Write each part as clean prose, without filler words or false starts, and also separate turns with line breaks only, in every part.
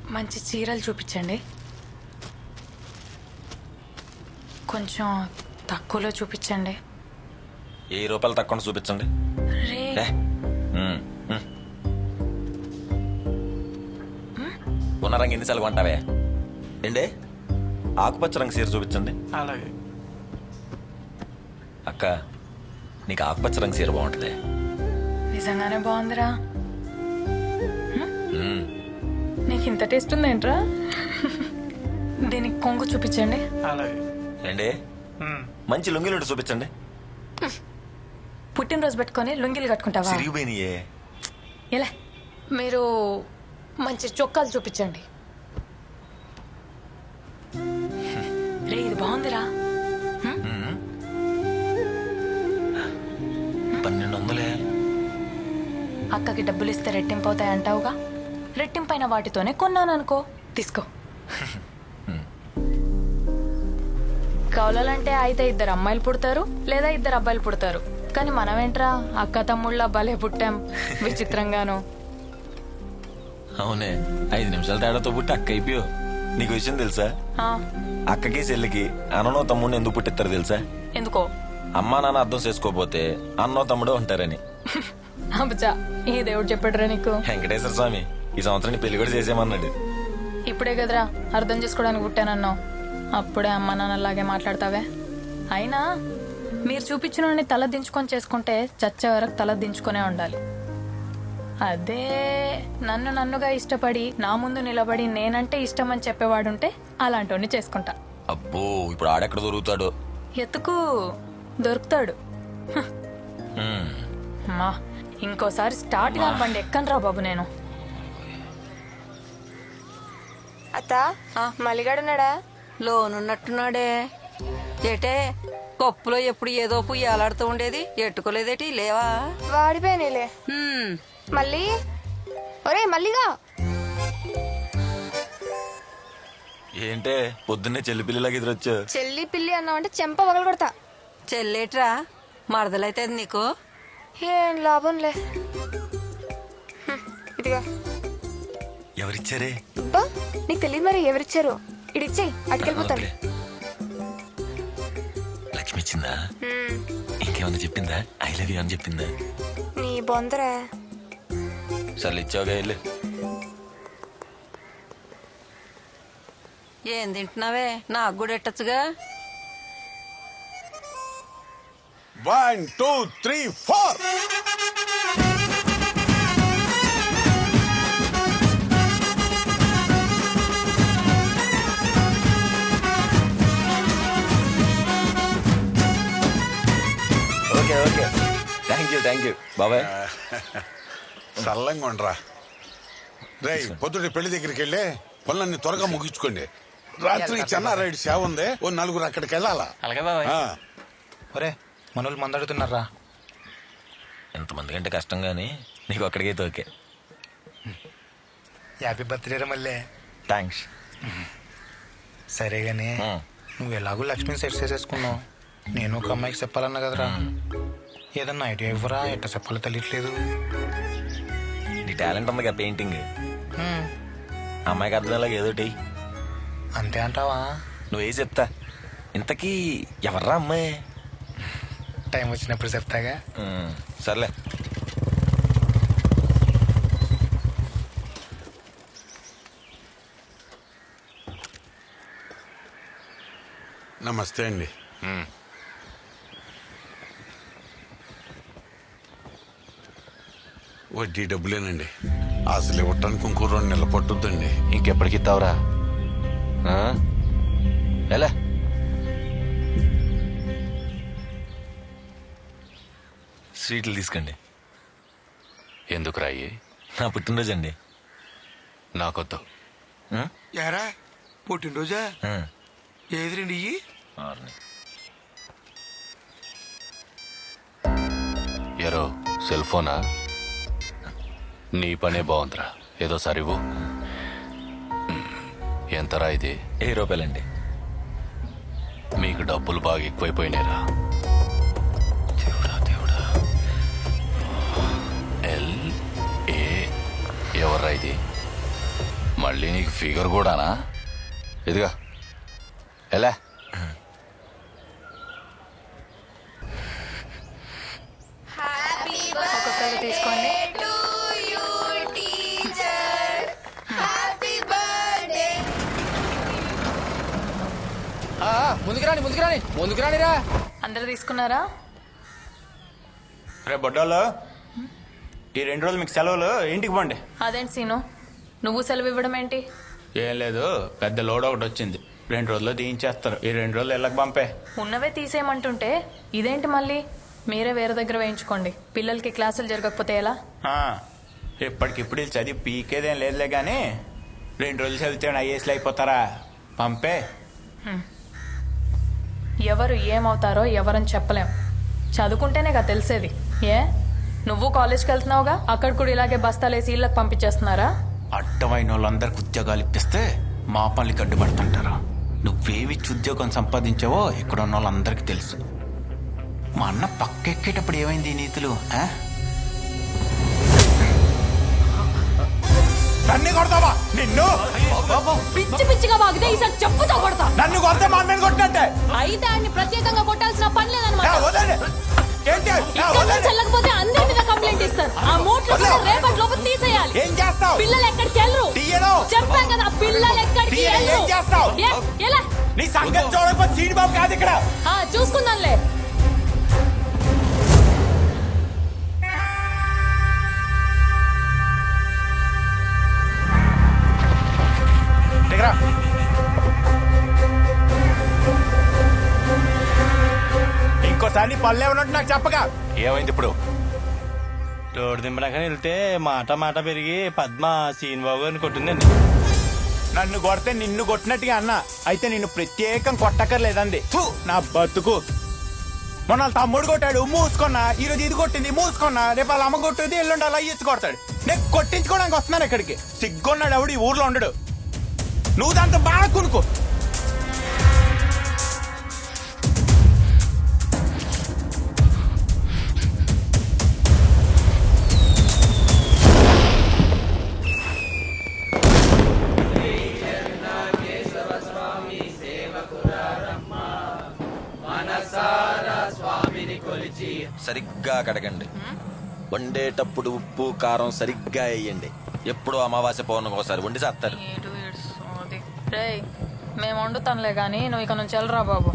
మంచి చీరలు చూపించండి. కొంచెం తక్కువలో చూపించండి.
₹1000 తక్కువ చూపించండి.
రే
ఉన్న రంగు ఎన్నిసార్లు కొంటావే? ఏండే ఆకుపచ్చ రంగు చీర చూపించండి.
అలాగే.
అక్క, నీకు ఆకుపచ్చ రంగు చీర బాగుంటుంది.
నిజంగానే బాగుందిరా. నీకు ఇంత టేస్ట్ ఉందేంట్రా? దీనికి కొంగు చూపించండి.
అలాగే.
ఏండే మంచి లుంగిలుండి చూపించండి.
పుట్టినరోజు పెట్టుకొని లుంగిలు కట్టుకుంటావా?
సిరిగిపోయినాయే.
ఇలా మీరు మంచి చొక్కాలు చూపించండి. రే ఇది బాగుందిరా.
1200.
అక్కకి డబ్బులు ఇస్తే రెట్టింపు అవుతాయి అంటావుగా, రెట్టింపైన వాటితోనే కొన్నాను అనుకో. తీసుకో. కౌలలంటే అయితే 2 అమ్మాయిలు పుడతారు లేదా 2 అబ్బాయిలు పుడతారు. కానీ మనమేంట్రా అక్క తమ్ముళ్ళ భలే పుట్టాం విచిత్రంగాను.
అవునే, 5 నిమిషాల తేడాతో పుట్టి అక్క అయిపోయో. నీకు విషయం తెలుసా?
ఆ,
అక్కకి చెల్లికి అన్ననో తమ్ముడిని ఎందుకు పుట్టిస్తారు తెలుసా?
ఎందుకో?
అమ్మా నాన్న అర్థం చేసుకోపోతే అన్నో తమ్ముడో ఉంటారని.
అబ్బా, ఈ దేవుడు చెప్పాడురా నీకు.
వెంకటేశ్వర స్వామి ఈ సంవత్సరం పెళ్లి కూడా చేసేయమన్నాడు.
ఇప్పుడే కదరా అర్థం చేసుకోవడానికి పుట్టానన్నావు, అప్పుడే అమ్మ నాన్నలాగే మాట్లాడతావే. అయినా మీరు చూపించిన తల దించుకొని చేసుకుంటే చచ్చే వరకు తల దించుకునే ఉండాలి. అదే నన్నుగా ఇష్టపడి నా ముందు నిలబడి నేనంటే ఇష్టం అని చెప్పేవాడుంటే అలాంటి చేసుకుంటా.
అబ్బో, ఇప్పుడు ఆడెక్కడ దొరుకుతాడు?
ఎత్తుకు దొరుకుతాడు. అమ్మా, ఇంకోసారి స్టార్ట్ గా బండి ఎక్కనరా బాబు నేను.
అత్త మల్లిగాడున్నాడా?
లోనున్నట్టున్నాడే. ఏటే కప్పులో ఎప్పుడు ఏదో పుయ్యి అలాడుతూ ఉండేది, ఎట్టుకోలేదేటి? లేవా?
వాడిపోయినాయిలే. మళ్ళీ ఒరే మల్లిగా,
ఏంటే పొద్దున్నే చెల్లి పిల్లిలాగా ఎదురొచ్చా?
చెల్లి పిల్లి అన్నావంటే చెంప పగలు కొడతా.
చెల్లేట్రా మరదలైతే నీకు?
ఏం లాభంలే. ఇదిగా.
ఎవరిచ్చారే?
అబ్బా, నీకు తెలియదు మరి ఎవరిచ్చారు. ఇడిచ్చేయి, అటుకెళ్ళిపోతాను.
లక్ష్మి ఇచ్చిందా? ఇంకేమన్నా చెప్పిందా? ఐ లవ్ యూ అని చెప్పిందా?
నీ బొందరా.
సర్లు ఇచ్చావుగా, వెళ్ళు.
ఏం తింటున్నావే? నాకు కూడా ఎట్టచ్చుగా.
1 2 3 4.
ఓకే ఓకే, థ్యాంక్ యూ బాబాయ్.
చల్లంగా ఉండరా. రే, పొద్దుటి పెళ్లి దగ్గరికి వెళ్ళి పనులన్నీ త్వరగా ముగించుకోండి. రాత్రి చెన్నారాయుడు సేవ ఉంది, ఓ 4 అక్కడికి వెళ్ళాలా.
అలాగే బాబాయ్.
ఆ,
ఒరే మనోళ్ళు మందాడుతున్నారా?
ఎంతమంది కంటే కష్టం గానీ నీకు అక్కడికైతే ఓకే.
హ్యాపీ బర్త్డే రా మళ్ళీ.
థ్యాంక్స్.
సరే గానీ నువ్వు ఎలాగో లక్ష్మిని సెట్ చేసేసుకున్నావు, నేను ఒక అమ్మాయికి చెప్పాలన్నా కదరా. ఏదన్నా ఐడియా ఇవ్వరా, ఎట్ట చెప్పాలో తెలియట్లేదు.
నీ టాలెంట్ ఉందిగా పెయింటింగ్, అమ్మాయికి అర్థమయ్యేలాగా ఏదోటి.
అంతే అంటావా?
నువ్వే చెప్తా. ఇంతకీ ఎవర్రా అమ్మాయి?
టైం వచ్చినప్పుడు చెప్తాగా.
సర్లే.
నమస్తే అండి. వడ్డీ డబ్బులేనండి. అసలు ఇవ్వటానికి ఇంకో 2 నెలలు పట్టుద్దండి.
ఇంకెప్పటికి ఇస్తావురా? ఎలా? స్వీట్లు తీసుకోండి.
ఎందుకు రాయి?
నా పుట్టినరోజు అండి.
నాకొద్దు.
యారా పుట్టినరోజా? ఏది రండి?
ఎరో సెల్ ఫోనా? నీ పనే బాగుందిరా, ఏదో సరివు. ఎంతరా ఇది?
₹1000
మీకు డబ్బులు బాగా ఎక్కువైపోయినాయిరా. ఎవర్రా ఇది? మళ్ళీ నీకు ఫిగర్ కూడానా? ఇదిగా ఎలా
ఒక్కొక్కరు తీసుకోండి.
ముందుకు రానిరా.
అందరు తీసుకున్నారా?
రే బొడ్డోళ్ళు, ఈ 2 రోజులు మీకు సెలవులు, ఇంటికి పోండి.
అదేంటి సీను, నువ్వు సెలవు ఇవ్వడం ఏంటి?
ఏం లేదు, పెద్ద లోడ్ ఒకటి వచ్చింది. 2 రోజుల్లో తీయించేస్తారు. ఈ 2 రోజులు ఇళ్ళకి పంపే.
ఉన్నవే తీసేయమంటుంటే ఇదేంటి మళ్ళీ? మీరే వేరే దగ్గర వేయించుకోండి. పిల్లలకి క్లాసులు జరగకపోతే ఎలా?
ఆ, ఇప్పటికిప్పుడు వీళ్ళు చదివి పీకేదేం లేదులే కానీ 2 రోజులు చదివితే ఐఏఎస్లు అయిపోతారా? పంపే.
ఎవరు ఏమవుతారో ఎవరని చెప్పలేం. చదువుకుంటేనే కదా తెలిసేది. ఏ నువ్వు కాలేజ్కి వెళ్తున్నావుగా, అక్కడ కూడా ఇలాగే బస్తాలేసి ఇళ్ళకి పంపించేస్తున్నారా?
అడ్డమైన వాళ్ళందరికి ఉద్యోగాలు ఇప్పిస్తే మా పనులకి అడ్డుపడుతుంటారు. నువ్వేమిచ్చి ఉద్యోగం సంపాదించావో ఇక్కడ ఉన్న వాళ్ళందరికీ తెలుసు. మా అన్న పక్కెక్కేటప్పుడు ఏమైంది ఈ నీతులు? నన్ను కొడతావా? నిన్ను
పిచ్చి పిచ్చిగా వాగితే ఈసారి చెప్పుతో కొడతా.
నన్ను కొడితే మా మీద కొట్టినట్టే.
అయితే ఆయన్ని ప్రత్యేకంగా కొట్టాల్సిన పని లేదన్నమాట.
వదండి. ఏంటి?
చెల్లకపోతే అందరి మీద కంప్లైంట్ ఇస్తారు. ఆ మూట్లు కూడా రేపటి లోపు తీసేయాలి.
ఏం చేస్తావు?
పిల్లలు ఎక్కడికి వెళ్ళరు.
తీయను.
చెప్పాం కదా, పిల్లలు ఎక్కడికి
తీయను. ఏం చేస్తావు?
ఎలా?
నీ సంగతి చూడకపోతే సీడి బాబు కాదు ఇక్కడ.
చూసుకుందాంలే.
దగ్గర ఇంకోసారి నీ పనులు ఏమన్నట్టు నాకు చెప్పగా.
ఏమైంది ఇప్పుడు?
రోడ్డు దింపడాక వెళ్తే మాట పెరిగి పద్మ సీనిబాబు గారిని కొట్టిందండి.
నన్ను కొడితే నిన్ను కొట్టినట్టుగా అన్నా. అయితే నిన్ను ప్రత్యేకం కొట్టక్కర్లేదండి. ఫు, నా బతుకు. మొన్న వాళ్ళ తమ్ముడు కొట్టాడు, మూసుకున్నా. ఈరోజు ఇది కొట్టింది, మూసుకున్నా. రేపు వాళ్ళ అమ్మ కొట్టేది, ఎల్లుండి అలా ఇచ్చి కొడతాడు. నేను కొట్టించుకోవడానికి వస్తున్నాను ఇక్కడికి. సిగ్గున్నాడు ఎవడు ఈ ఊర్లో ఉండడు. నువ్వు దాంతో బాగా కొనుక్కో.
సరిగ్గా కడగండి. వండేటప్పుడు ఉప్పు కారం సరిగ్గా వేయండి. ఎప్పుడు అమావాస్య పౌర్ణమికి ఒకసారి వండి చేస్తారు.
రేయ్, మేము వండుతాంలే గాని నువ్వు ఇక నుంచి వెళ్ళరా బాబు.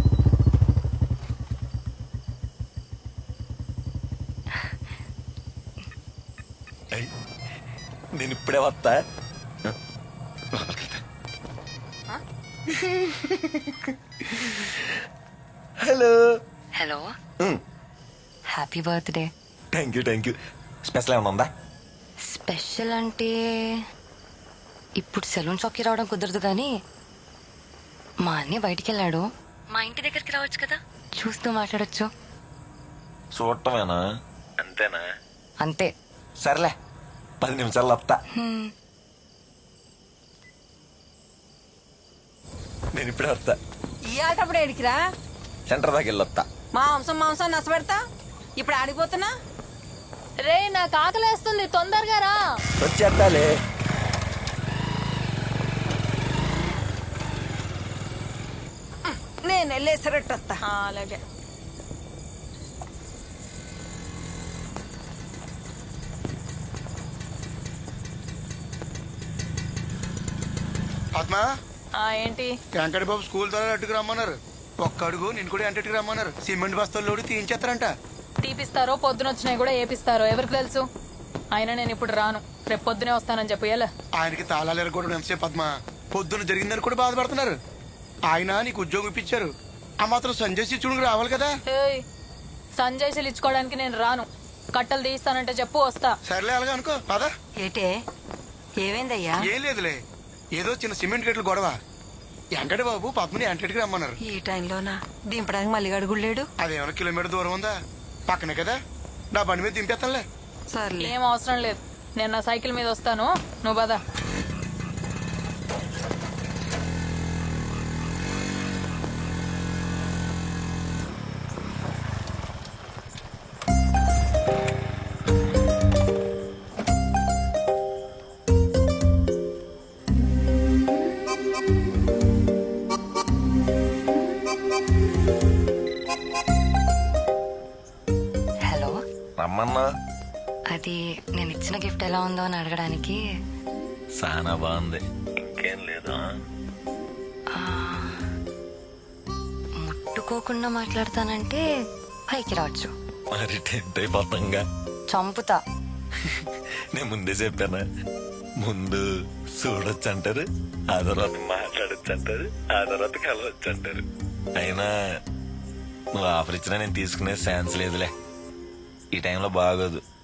నేను ఇప్పుడే వస్తా. Hello.
Hello, happy birthday.
Thank you. Special ఏమైనా ఉందా?
స్పెషల్ అంటే ఇప్పుడు సెలూన్ షాప్కి రావడం కుదరదు కానీ మా అన్నయ్య బయటికి వెళ్ళాడు. మా ఇంటి దగ్గరికి రావచ్చు కదా, చూస్తూ మాట్లాడొచ్చు.
చూడటమేనా? అంతేనా?
అంతే.
సర్లే, 10 నిమిషాలు వస్తా. నేను ఇప్పుడే వస్తా.
ఇయ్యాలటప్పుడు ఏడికిరా?
సెంటర్ దాకా వెళ్ళొస్తా.
మాంసం నచ్చబెడతా. ఇప్పుడు ఆడిపోతున్నా.
రే, నాకు ఆకలేస్తుంది, తొందరగా రా.
వచ్చేస్తాలే.
నేను వెళ్ళేసరట్టు వస్తా.
అలాగే.
పద్మ,
ఏంటి?
వెంకట బాబు స్కూల్ ద్వారా అట్టుకు రమ్మన్నారు. ఒక్క అడుగు నేను కూడా ఎంటకి రమ్మన్నారు. సిమెంట్ బస్తాలు లోడి తీయించేస్తారంట.
తీపిస్తారో పొద్దునొచ్చినాయి కూడా ఏపిస్తారో ఎవరికి తెలుసు. అయినా నేను ఇప్పుడు రాను, రేపు పొద్దునే వస్తానని చెప్పు. ఎలా?
ఆయనకి తాళాలు ఎరగొట్టడం ఎంతసేపు పద్మ. పొద్దున జరిగిందని కూడా బాధపడుతున్నారు. ఆయన నీకు ఉద్యోగం ఇప్పించారు. ఆ మాత్రం సంజయ్ శిక్షుడికి రావాలి కదా.
సంజయ్ ఇచ్చుకోవడానికి నేను రాను. కట్టలు తీస్తానంటే చెప్పు, వస్తా.
సర్లే అలాగా అనుకో. పదా.
ఏటే ఏమైందయ్యా?
ఏం లేదులే, ఏదో చిన్న సిమెంట్ గట్లు గొడవ. వెంకట బాబు పద్మని ఎంటకి రమ్మన్నారు.
ఈ టైంలోనా దింపడానికి మళ్ళీ అడుగులేడు?
అదేమైనా కిలోమీటర్ దూరం ఉందా? పక్కనే కదా, నా బండి మీద దింపేస్తానులే.
సర్లే.
ఏం అవసరం లేదు, నేను నా సైకిల్ మీద వస్తాను, నువ్వు పద.
ఏమన్నా?
అది నేను ఇచ్చిన గిఫ్ట్ ఎలా ఉందో అని అడగడానికి.
చాలా బాగుంది. ఇంకేం లేదా?
ముట్టుకోకుండా మాట్లాడతానంటే పైకి రావచ్చు.
మరి టెంట్ అయిపోతాంగా.
చంపుతా.
నేను ముందే చెప్పానా, ముందు చూడొచ్చు అంటారు, ఆ తర్వాత మాట్లాడొచ్చు అంటారు, ఆ తర్వాత కలవచ్చు అంటారు. అయినా నువ్వు ఆఫర్ ఇచ్చినా నేను తీసుకునే ఛాన్స్ లేదులే. ఈ టైంలో బాగోదు.